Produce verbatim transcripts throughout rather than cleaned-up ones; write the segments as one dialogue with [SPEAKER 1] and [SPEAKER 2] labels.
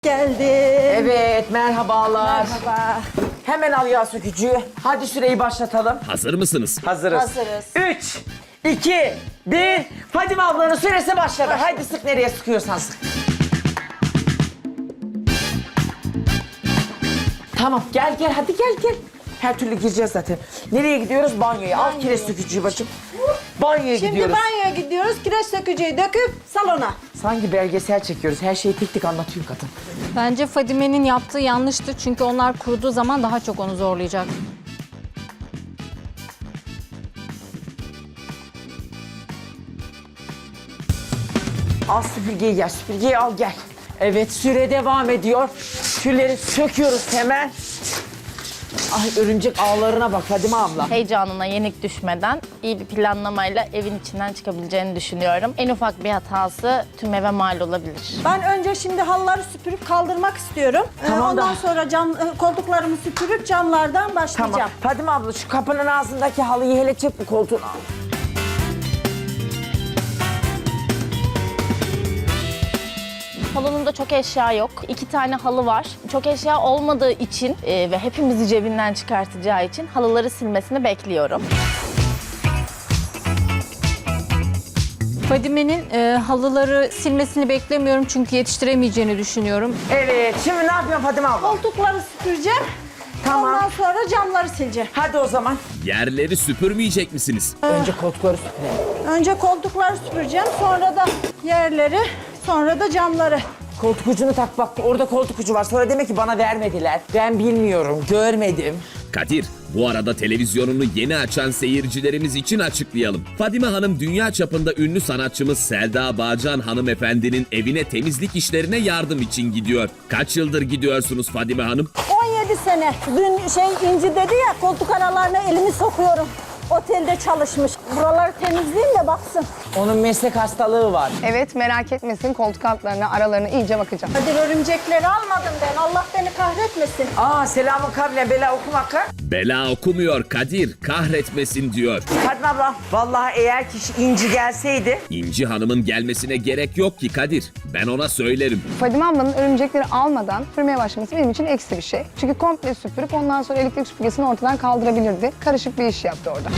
[SPEAKER 1] Geldim.
[SPEAKER 2] Evet, merhabalar.
[SPEAKER 1] Merhaba.
[SPEAKER 2] Hemen al yağ sökücüyü. Hadi süreyi başlatalım.
[SPEAKER 3] Hazır mısınız?
[SPEAKER 2] Hazırız.
[SPEAKER 1] Hazırız.
[SPEAKER 2] Üç, iki, bir. Fadime ablanın süresi başladı. Haydi sık, nereye sıkıyorsan sık. Tamam, gel gel, hadi gel gel. Her türlü gireceğiz zaten. Nereye gidiyoruz? Banyoya. Al kireç sökücüyü bacım. Banyoya
[SPEAKER 1] Şimdi
[SPEAKER 2] gidiyoruz.
[SPEAKER 1] banyoya gidiyoruz. Kireç sökücüyü döküp salona.
[SPEAKER 2] Sanki belgesel çekiyoruz. Her şeyi tek tek anlatıyor kadın.
[SPEAKER 4] Bence Fadime'nin yaptığı yanlıştı çünkü onlar kuruduğu zaman daha çok onu zorlayacak.
[SPEAKER 2] Al süpürgeyi gel, süpürgeyi al gel. Evet, süre devam ediyor. Tülleri söküyoruz hemen. Ay, örümcek ağlarına bak Fadime abla.
[SPEAKER 5] Heyecanına yenik düşmeden iyi bir planlamayla evin içinden çıkabileceğini düşünüyorum. En ufak bir hatası tüm eve mal olabilir.
[SPEAKER 1] Ben önce şimdi halıları süpürüp kaldırmak istiyorum. Ee,
[SPEAKER 2] Tamam
[SPEAKER 1] Ondan
[SPEAKER 2] da-
[SPEAKER 1] sonra cam, e, koltuklarımı süpürüp camlardan başlayacağım.
[SPEAKER 2] Tamam. Fadime abla şu kapının ağzındaki halıyı hele çek, bu koltuğun al.
[SPEAKER 5] Salonumda çok eşya yok. İki tane halı var. Çok eşya olmadığı için e, ve hepimizi cebinden çıkartacağı için halıları silmesini bekliyorum.
[SPEAKER 4] Fadime'nin e, halıları silmesini beklemiyorum çünkü yetiştiremeyeceğini düşünüyorum.
[SPEAKER 2] Evet, şimdi ne yapıyorsun Fadime abla?
[SPEAKER 1] Koltukları süpüreceğim.
[SPEAKER 2] Tamam.
[SPEAKER 1] Ondan sonra camları sileceğim.
[SPEAKER 2] Hadi o zaman.
[SPEAKER 3] Yerleri süpürmeyecek misiniz?
[SPEAKER 2] Önce koltukları süpürelim.
[SPEAKER 1] Önce koltukları süpüreceğim. Sonra da yerleri, sonra da camları.
[SPEAKER 2] Koltuk ucunu tak bak, orada koltuk ucu var. Sonra demek ki bana vermediler. Ben bilmiyorum, görmedim.
[SPEAKER 3] Kadir, bu arada televizyonunu yeni açan seyircilerimiz için açıklayalım. Fadime Hanım dünya çapında ünlü sanatçımız Selda Bağcan hanımefendinin evine temizlik işlerine yardım için gidiyor. Kaç yıldır gidiyorsunuz Fadime Hanım?
[SPEAKER 1] on yedi sene. Dün şey İnci dedi ya, koltuk aralarına elimi sokuyorum. Otelde çalışmış. Buraları temizleyeyim de baksın.
[SPEAKER 2] Onun meslek hastalığı var.
[SPEAKER 6] Evet, merak etmesin, koltuk altlarına, aralarına iyice bakacağım.
[SPEAKER 1] Hadi örümcekleri almadım ben. Allah beni kahretmesin.
[SPEAKER 2] Aa, selamun kavle bela okumak ha.
[SPEAKER 3] Bela okumuyor Kadir, kahretmesin diyor.
[SPEAKER 2] Fadime abla, vallahi eğer ki İnci gelseydi.
[SPEAKER 3] İnci Hanım'ın gelmesine gerek yok ki Kadir. Ben ona söylerim.
[SPEAKER 6] Fadime ablanın örümcekleri almadan sürmeye başlaması benim için eksi bir şey. Çünkü komple süpürüp ondan sonra elektrik süpürgesini ortadan kaldırabilirdi. Karışık bir iş yaptı orada.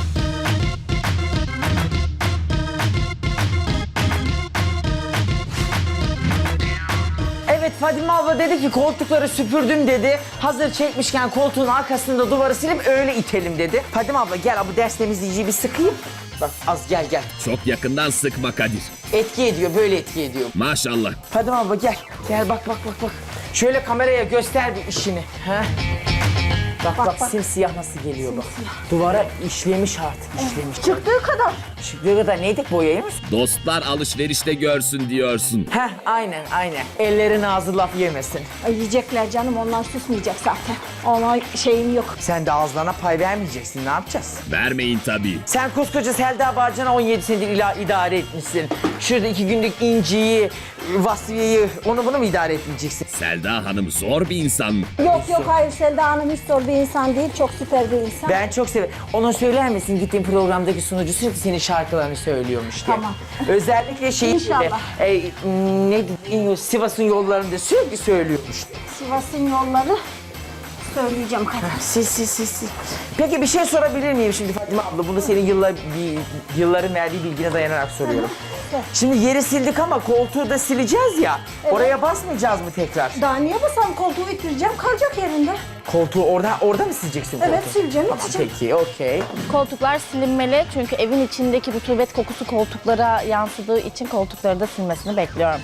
[SPEAKER 2] Evet, Fadime abla dedi ki koltukları süpürdüm dedi. Hazır çekmişken koltuğun arkasında duvarı silip öyle itelim dedi. Fadime abla gel, bu ders temizleyiciyi bir sıkayım. Bak az gel gel.
[SPEAKER 3] Çok yakından sıkma Kadir.
[SPEAKER 2] Etki ediyor, böyle etki ediyor.
[SPEAKER 3] Maşallah.
[SPEAKER 2] Fadime abla gel. Gel bak bak bak bak. Şöyle kameraya göster bir işini. Ha? Bak bak, bak simsiyah nasıl geliyor bak. Duvara işlemiş artık, işlemiş.
[SPEAKER 1] Çıktığı kadar.
[SPEAKER 2] Çıktığı kadar neydik, boyayı mı?
[SPEAKER 3] Dostlar alışverişte görsün diyorsun.
[SPEAKER 2] Heh, aynen aynen. Ellerin ağzı laf yemesin.
[SPEAKER 1] Ay, yiyecekler canım, onlar susmayacak zaten. Ona şeyim yok.
[SPEAKER 2] Sen de ağızlarına pay vermeyeceksin, ne yapacağız?
[SPEAKER 3] Vermeyin tabii.
[SPEAKER 2] Sen koskoca Selda Bağcan'a on yedi senedir ila idare etmişsin. Şurada iki günlük İnci'yi, Vasfiye'yi, onu bunu mu idare etmeyeceksin?
[SPEAKER 3] Selda Hanım zor bir insan mı?
[SPEAKER 1] Yok yok, hayır, Selda Hanım hiç zor bir insan değil. Çok süper bir insan.
[SPEAKER 2] Ben çok severim. Ona söyler misin, gittiğin programdaki sunucu sürekli senin şarkılarını söylüyormuş diye.
[SPEAKER 1] Tamam.
[SPEAKER 2] Özellikle şey
[SPEAKER 1] İnşallah.
[SPEAKER 2] E, ne Sivas'ın yollarında sürekli söylüyormuş.
[SPEAKER 1] Sivas'ın yolları söyleyeceğim kadar.
[SPEAKER 2] Sil sil sil sil. Peki bir şey sorabilir miyim şimdi Fadime abla? Bunu senin yıllar, bir, yılların verdiği bilgine dayanarak soruyorum. Şimdi yeri sildik ama koltuğu da sileceğiz ya. Oraya basmayacağız mı tekrar?
[SPEAKER 1] Daha niye basam, koltuğu ittireceğim, kalacak yerinde.
[SPEAKER 2] Koltuğu orada orada mı sileceksin koltuğu?
[SPEAKER 1] Evet, sileceğim,
[SPEAKER 2] Tamam,
[SPEAKER 1] iteceğim.
[SPEAKER 2] peki, okey.
[SPEAKER 5] Koltuklar silinmeli çünkü evin içindeki rutubet kokusu koltuklara yansıdığı için koltukları da silmesini bekliyorum.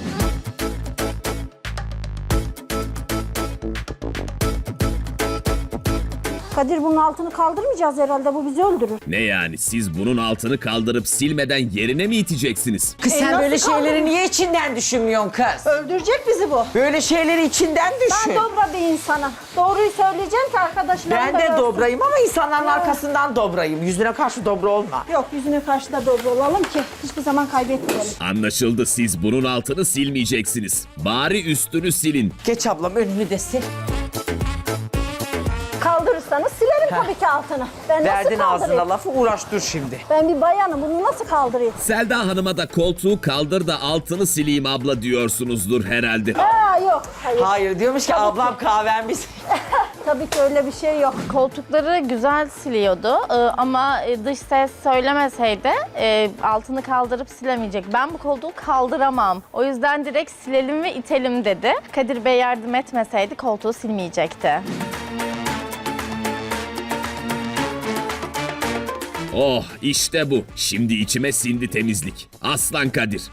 [SPEAKER 1] Kadir, bunun altını kaldırmayacağız herhalde, bu bizi öldürür.
[SPEAKER 3] Ne yani siz bunun altını kaldırıp silmeden yerine mi iteceksiniz?
[SPEAKER 2] Kız
[SPEAKER 1] E,
[SPEAKER 2] sen
[SPEAKER 1] nasıl
[SPEAKER 2] böyle şeyleri
[SPEAKER 1] kaldırır?
[SPEAKER 2] niye içinden düşünmüyorsun kız?
[SPEAKER 1] Öldürecek bizi bu.
[SPEAKER 2] Böyle şeyleri içinden düşün.
[SPEAKER 1] Ben dobra bir insanım. Doğruyu söyleyeceğim ki arkadaşlarım
[SPEAKER 2] Ben
[SPEAKER 1] da
[SPEAKER 2] de
[SPEAKER 1] görsün.
[SPEAKER 2] dobrayım ama insanların
[SPEAKER 1] Ha.
[SPEAKER 2] arkasından dobrayım. Yüzüne karşı dobra olma.
[SPEAKER 1] Yok, yüzüne karşı da dobra olalım ki hiçbir zaman kaybetmeyelim.
[SPEAKER 3] Anlaşıldı, siz bunun altını silmeyeceksiniz. Bari üstünü silin.
[SPEAKER 2] Geç ablam, önünü de sil.
[SPEAKER 1] Kaldırırsanız silerim tabii ki altını. Ben
[SPEAKER 2] Verdin
[SPEAKER 1] nasıl kaldırayım?
[SPEAKER 2] ağzına lafı, uğraş dur şimdi.
[SPEAKER 1] Ben bir bayanım, bunu nasıl kaldırayım?
[SPEAKER 3] Selda Hanım'a da koltuğu kaldır da altını sileyim abla diyorsunuzdur herhalde.
[SPEAKER 1] Aa, Ha yok. Hayır.
[SPEAKER 2] Hayır diyormuş ki ablam kahven biz.
[SPEAKER 1] Tabii ki öyle bir şey yok.
[SPEAKER 5] Koltukları güzel siliyordu Ee, ama e, dış ses söylemeseydi e, altını kaldırıp silemeyecek. Ben bu koltuğu kaldıramam. O yüzden direkt silelim ve itelim dedi. Kadir Bey yardım etmeseydi koltuğu silmeyecekti.
[SPEAKER 3] Oh işte bu. Şimdi içime sindi temizlik. Aslan Kadir.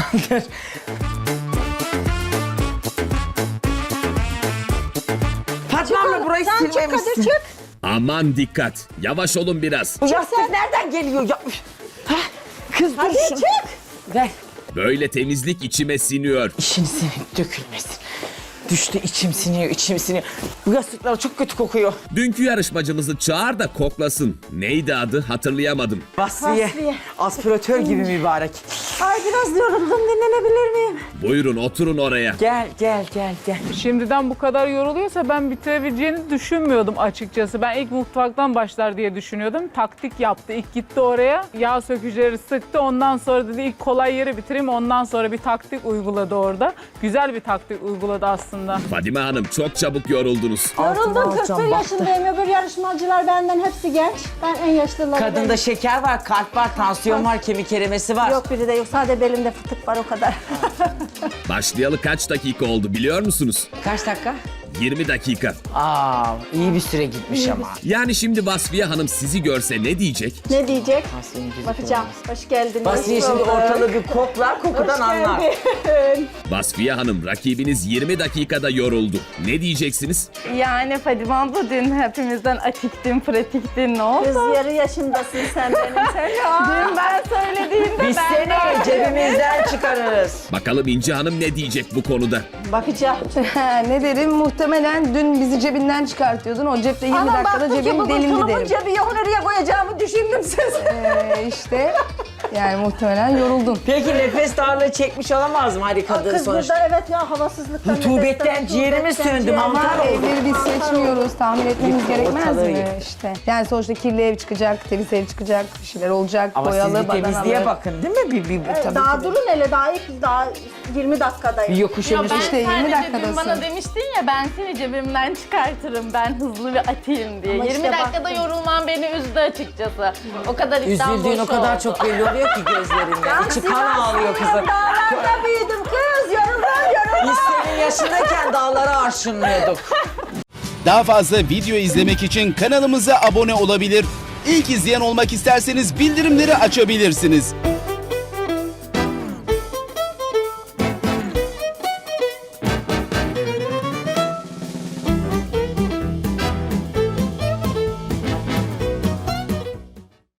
[SPEAKER 2] Fatma abla burayı
[SPEAKER 1] Sen çık
[SPEAKER 2] silmemişsin.
[SPEAKER 1] Kadir çık.
[SPEAKER 3] Aman dikkat. Yavaş olun biraz.
[SPEAKER 2] Bu yastık nereden geliyor? Ya, ha, kız dur
[SPEAKER 1] Hadi
[SPEAKER 2] şunu.
[SPEAKER 1] çık.
[SPEAKER 2] Ver.
[SPEAKER 3] Böyle temizlik içime siniyor.
[SPEAKER 2] İşin sinip dökülmesin. Düştü içim siniyor, içim siniyor. Bu yastıklar çok kötü kokuyor.
[SPEAKER 3] Dünkü yarışmacımızı çağır da koklasın. Neydi adı hatırlayamadım.
[SPEAKER 2] Vasfiye.
[SPEAKER 1] Vasfiye.
[SPEAKER 2] Aspiratör gibi mübarek.
[SPEAKER 1] Ay biraz yoruldum, dinlenebilir miyim?
[SPEAKER 3] Buyurun oturun oraya.
[SPEAKER 2] Gel, gel, gel, gel.
[SPEAKER 7] Şimdiden bu kadar yoruluyorsa ben bitirebileceğini düşünmüyordum açıkçası. Ben ilk mutfaktan başlar diye düşünüyordum. Taktik yaptı. İlk gitti oraya. Yağ sökücüleri sıktı. Ondan sonra dedi ilk kolay yeri bitireyim. Ondan sonra bir taktik uyguladı orada. Güzel bir taktik uyguladı aslında.
[SPEAKER 3] Fadime Hanım çok çabuk yoruldunuz.
[SPEAKER 1] Yoruldum,
[SPEAKER 2] Altına
[SPEAKER 1] kırk
[SPEAKER 2] alacağım,
[SPEAKER 1] bir
[SPEAKER 2] baktı.
[SPEAKER 1] yaşındayım. Öbür yarışmacılar benden hepsi genç. Ben en yaşlıları
[SPEAKER 2] Kadında
[SPEAKER 1] benim.
[SPEAKER 2] şeker var, kalp var, tansiyon var, kemik erimesi var.
[SPEAKER 1] Yok biri de yok. Sadece belimde fıtık var o kadar.
[SPEAKER 3] Başlayalı kaç dakika oldu biliyor musunuz?
[SPEAKER 2] Kaç dakika?
[SPEAKER 3] yirmi dakika.
[SPEAKER 2] Aa, iyi bir süre gitmiş ama.
[SPEAKER 3] Yani şimdi Vasfiye Hanım sizi görse ne diyecek?
[SPEAKER 1] Ne diyecek?
[SPEAKER 2] Vasfiye'nin gözü
[SPEAKER 1] Bakacağım. Hoş geldiniz.
[SPEAKER 2] Vasfiye şimdi ortalığı bir koklar, kokudan anlar.
[SPEAKER 3] Vasfiye Hanım rakibiniz yirmi dakikada yoruldu. Ne diyeceksiniz?
[SPEAKER 5] Yani Fadime abla dün hepimizden atiktin, pratiktin ne oldu?
[SPEAKER 1] Kız yarı yaşındasın sen benim. Sen
[SPEAKER 5] Dün ben söylediğimde
[SPEAKER 2] Biz
[SPEAKER 5] ben
[SPEAKER 2] seni cebimizden çıkarırız.
[SPEAKER 3] Bakalım İnci Hanım ne diyecek bu konuda?
[SPEAKER 1] bakacağım.
[SPEAKER 6] Ne derim? Muhtemelen dün bizi cebinden çıkartıyordun. O cepte yirmi
[SPEAKER 1] Ama
[SPEAKER 6] dakikada
[SPEAKER 1] baktım ki
[SPEAKER 6] cebin
[SPEAKER 1] bugün
[SPEAKER 6] delindi
[SPEAKER 1] tulumun
[SPEAKER 6] derim.
[SPEAKER 1] cebi yok. Nereye koyacağımı düşündüm siz.
[SPEAKER 6] Ee, işte yani muhtemelen yoruldun.
[SPEAKER 2] Peki nefes darlığı çekmiş olamaz mı? Hadi kadın
[SPEAKER 1] Kız
[SPEAKER 2] sonuçta.
[SPEAKER 1] burada evet ya havasızlıktan.
[SPEAKER 2] Rutubetten
[SPEAKER 1] nefesten,
[SPEAKER 2] ciğerimiz
[SPEAKER 1] rutubetten
[SPEAKER 2] söndü,
[SPEAKER 1] ciğerimiz-
[SPEAKER 2] mantar
[SPEAKER 6] Ama
[SPEAKER 2] oldu.
[SPEAKER 6] evleri biz seçmiyoruz. Tahmin etmemiz
[SPEAKER 2] Yık,
[SPEAKER 6] gerekmez
[SPEAKER 2] ortalığı
[SPEAKER 6] mi?
[SPEAKER 2] yık.
[SPEAKER 6] İşte. Yani sonuçta kirli ev çıkacak, temiz ev çıkacak, bir şeyler olacak,
[SPEAKER 2] Ama
[SPEAKER 6] boyalı,
[SPEAKER 2] siz bir temizliğe
[SPEAKER 6] badanalı.
[SPEAKER 2] bakın değil mi? Bir, bir, bir, tabii,
[SPEAKER 1] Daha
[SPEAKER 2] tabii.
[SPEAKER 1] durun hele daha ilk daha yirmi dakikadayım.
[SPEAKER 2] Bir yokuş
[SPEAKER 5] Ya
[SPEAKER 2] önüne.
[SPEAKER 5] ben
[SPEAKER 6] İşte yirmi
[SPEAKER 5] sadece dün
[SPEAKER 6] dakikadasın.
[SPEAKER 5] bana demiştin ya ben seni cebimden çıkartırım, ben hızlı ve atayım diye.
[SPEAKER 1] Ama
[SPEAKER 5] yirmi
[SPEAKER 1] işte
[SPEAKER 5] dakikada
[SPEAKER 1] baktım.
[SPEAKER 5] yorulman beni üzdü açıkçası. O kadar iddiam
[SPEAKER 2] Üzüldüğün
[SPEAKER 5] boş
[SPEAKER 2] o kadar
[SPEAKER 5] oldu.
[SPEAKER 2] çok belli oluyor ki gözlerinden. İçi kan ağlıyor kızın.
[SPEAKER 1] Dağlarda büyüdüm kız yoruldum yoruldum.
[SPEAKER 2] Biz senin yaşındayken dağlara arşınlıyorduk.
[SPEAKER 8] Daha fazla video izlemek için kanalımıza abone olabilir. İlk izleyen olmak isterseniz bildirimleri açabilirsiniz.